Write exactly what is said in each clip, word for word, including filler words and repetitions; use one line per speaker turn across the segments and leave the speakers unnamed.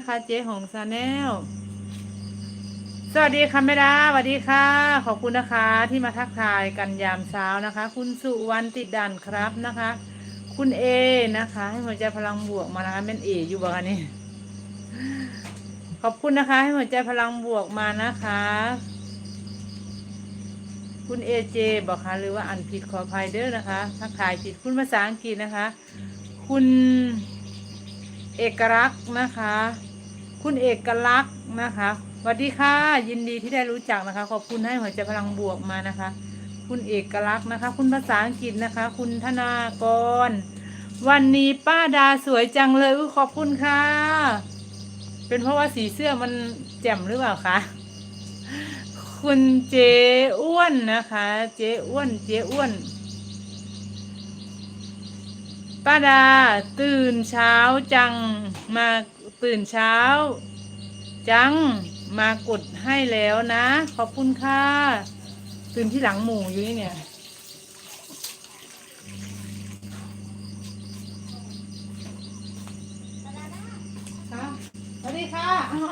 นะคะเจ๊หงซาแนลสวัสดีค่ะแม่ดาสวัสดีค่ะขอบคุณนะคะที่มาทักทายกันยามเช้านะคะ คุณสุวรรณติดด่านครับนะคะ คุณเอนะคะให้หัวใจพลังบวกมานะคะแม่นเออยู่บ้างนี่ขอบคุณนะคะให้หัวใจพลังบวกมานะคะ คุณเอเจบอกค่ะหรือว่าอันผิดขออภัยเด้อนะคะทักทายผิดคุณภาษาอังกฤษนะคะ คุณเอกลักษณ์นะคะ คุณเอกลักษณ์นะคะสวัสดีค่ะยินดีที่ได้รู้จักนะคะขอบคุณให้หัวใจพลังบวกมานะคะ คุณเอกลักษณ์นะคะ คุณภาษาอังกฤษนะคะ คุณธนากรวันนี้ป้าดาสวยจังเลยขอบคุณค่ะเป็นเพราะว่าสีเสื้อมันแจ่มหรือเปล่าคะคุณเจ๊อ้วนนะคะเจ๊อ้วนเจ๊อ้วนป้าดาตื่นเช้าจังมาตื่นเช้าจังมากดให้แล้วนะขอบคุณค่ะตื่นที่หลังหมู่อยู่นี่เนี่ยสวัสดีค่ะ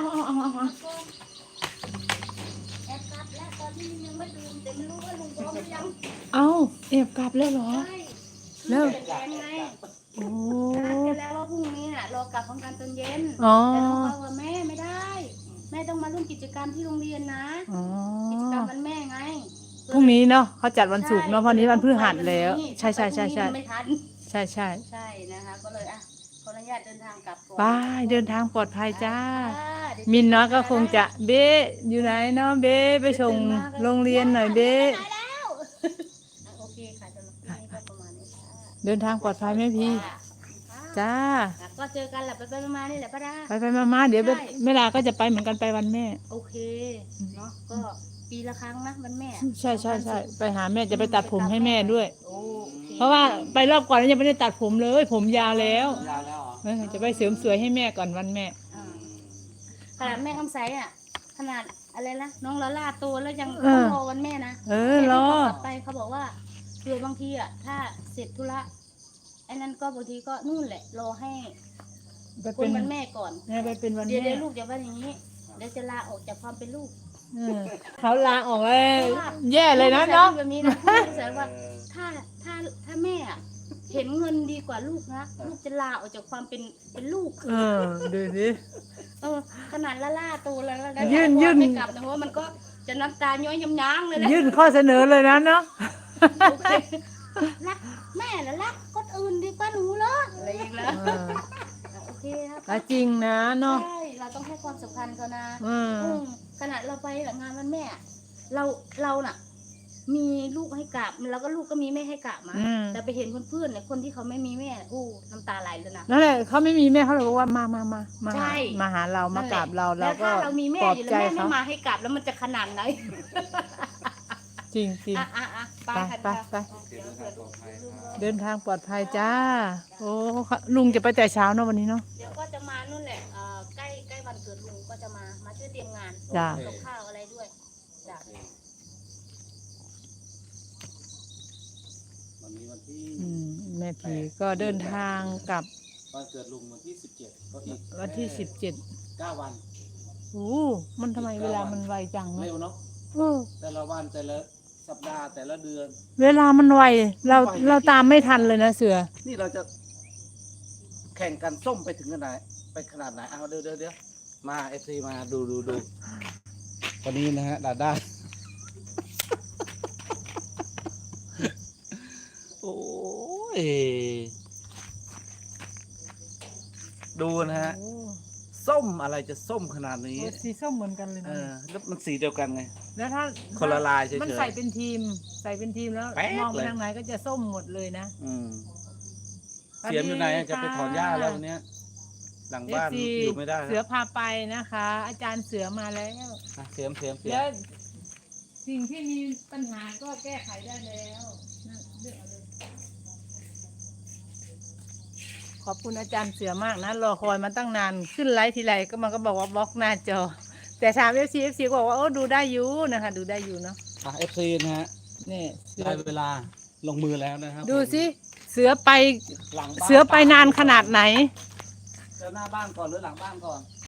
แอบกลับแล้วตอนนี้ยังไม่ลืมแต่ไม่รู้ว่าลุงพร้อมหรือยัง
เอ้าเอบกลับแล้วเหรอ
ใช่
แล้ว
คือแดงไง
โอ้
นัดกันแล้วว่าพรุ่งนี้น่ะรอกลับพร้อมกันตอนเย็น
อ๋อ
แต่น้องบอกว่าแม่ไม่ได้ แม่ต้องมาร่วมกิจกรรมที่โรงเรียนนะ
อ๋อ
กิจกรรมวันแม่ไง
พรุ่งนี้เนาะเขาจัดวันศุกร์เนาะเพราะนี้วันพฤหัสแล้วใช่ใช่ใช่ใช่
ไม่ทัน
ใช่ใช่
ใช่นะคะก็เลยอ่ะขออนุญาตเดินทางกลับก่อน
บายเดินทางปลอดภัยจ้า
ค่ะ
มินน้อยก็คงจะเบ๊อยู่ไหนเนาะเบ๊ไปส่งโรงเรียนหน่อยเบ๊
ไปแล้วโอเคค่ะสำหรับที่นี่ก็ประมาณนี้ค่ะ
เดินทางปลอดภัยไหมพี่จ้า
ก็เจอกันแหละไปไปมาๆนี่แหละป้าดา
ไปไปมามาเดี๋ยวเวลาก็จะไปเหมือนกันไปวันแม่
โอเคเนาะก็ปีละครั้งนะวันแม่
ใช่ใช่ใช่ไปหาแม่จะไปตัดผมให้แม่ด้วย
โอเค
เพราะว่าไปรอบก่อนยังไม่ได้ตัดผมเลยผมยาวแล้ว
ยาวแล้วเหรอ
เออจะไปเสริมสวยให้แม่ก่อนวันแม่
อ่าขนาดแม่คำไซอ่ะขนาดอะไรนะน้องละล่าโตแล้วยังต้องรอวันแม่นะ
เออรอ
กลับไปเขาบอกว่าเผื่อบางทีอ่ะถ้าเสร็จธุระไอ้นั่นก็บางทีก็นู่นแหละรอให้
ไป
คุ
เป็
ณ
น
วันแม่ก่อน
แม่ไปเป็นวัน
เดี๋ยว
แม่
เดี๋ยวลูกอย่าว่าอย่างนี้เดี๋ยวจะลาออกจากความเป็นลูก
เออเขาลาออกเลยแย่เลยนะเนาะ
แบบนี้นะลูกแสดงว่าถ้าถ้าถ้าแม่อะเห็นเงินดีกว่าลูกนะลูกจะลาออกจากความเป็นเป็นลูก
เออดูสิ
เออขนาดละล่าตัวแล้วแล้ว
ยื่นยื่น
ไม่กลับนะเพราะว่ามันก็จะน้ำตาย้อยย้ำย้างเลยนะ
ยื่นข้อเสนอเลยนะเนาะ
โอเครักแม่แล้วรักคนอื่นดีกว่าหนูเหรออะไรอย่างเงี้ยโอเคครับ
ก็จริงนะเนาะ
ใช่เราต้องให้ความสำคัญเขานะ
อืม
อืมขนาดเราไปงานวันแม่ เราเราน่ะ มีลูกให้กราบแล้วก็ลูกก็มีแม่ให้กราบมา
อืม
แต่ไปเห็นเพื่อนๆเนี่ยคนที่เขาไม่มีแม่อู้น้ำตาไหลเลยนะ
นั่นแหละเขาไม่มีแม่เขาเลยบอกว่ามามามามา
ใช่
หามาหาเรามากราบเรา
แล้
เรา
ว
ก็
ถ้าเรามีแม่
ปลอบ
อยู่
ใจ
แล้วแม่ไม่
เขา
มาให้กราบแล้วมันจะขนาดไหน
จริงจริง
อ่ะอ่ะอ่ะไป
ไป
ค่ะ
ไปไป
เดินทางปลอดภัยครับ
เดินทางปลอดภัยจ้า โอ้ลุงจะไปแต่เช้าเนาะวันนี้เนาะ
เดี๋ยวก็จะมานู่นแหละเอ่อใกล้ใกล้วันเกิดลุงก็จะมามาช่วยเตรียมงาน
จ้ะ
กับข้าวอะไรด้วยจ้ะ
วันนี้วันที่
อืมแม่ผีก็เดินทางกลับ
วันเกิดลุงวันที่สิบเจ็ดก็อีก
วันที่สิบเจ็ด
เก้าวัน
โอ้มันทำไมเวลามันไวจังเนาะ
เร็วเนาะ
เออ
แต่ละวันแต่ละสัปดาห์แต่ละเดือน
เวลามันไวเราเราตามไม่ทันเลยนะเสือ
นี่เราจะแข่งกันส้มไปถึงขนาดไปขนาดไหนเอาเดี๋ยวเดี๋ยวเดี๋ยวมาเอฟซีมาดูดูดูวันนี้นะฮะดาด้า โอ้ยดูนะฮะ
โอ้
ส้มอะไรจะส้มขนาดนี้
โอ้สีส้มเหมือนกันเลย
เอ
นะ
อแล้วมันสีเดียวกันไง
แล้วถ้า
คนละลายเฉยๆ
มันใส่เป็นทีม ใส่เป็นทีมแล้ว
แป๊ก
มองไป
เลย
ทางไหนก็จะส้มหมดเลยนะ
อืมเสียมอยู่ไหนอะจะไปถอนหญ้าแล้ววันเนี้ยหลังบ้าน
เอฟซี
อยู่ไม่ได้
เสือ
แล้ว
พาไปนะคะ อาจารย์เสือมาแล้ว
อ่ะเสียมเสียมเสีย
แล้
ม
วสิ่งที่มีปัญหาก็แก้ไขได้แล้วนั่นเลือกเอาเลยขอบคุณอาจารย์เสือมากนะรอคอยมาตั้งนานขึ้นไลฟ์ทีไรก็มันก็บอกว่าบล็อกหน้าจอ แต่ถามเอฟซีเอฟซีบอกว่าโอ้ดูได้อยู่นะคะ ดูได้อยู่เนาะ
อ่ะเอฟซีนะฮะ
นี่เสือ
ได้เวลาลงมือแล้วนะครับ
ดูสิเสือไป
หลังบ้าน
เสือไปนานขนาดไหน
เสือหน้าบ้านก่อนหรือหลังบ้านก่อน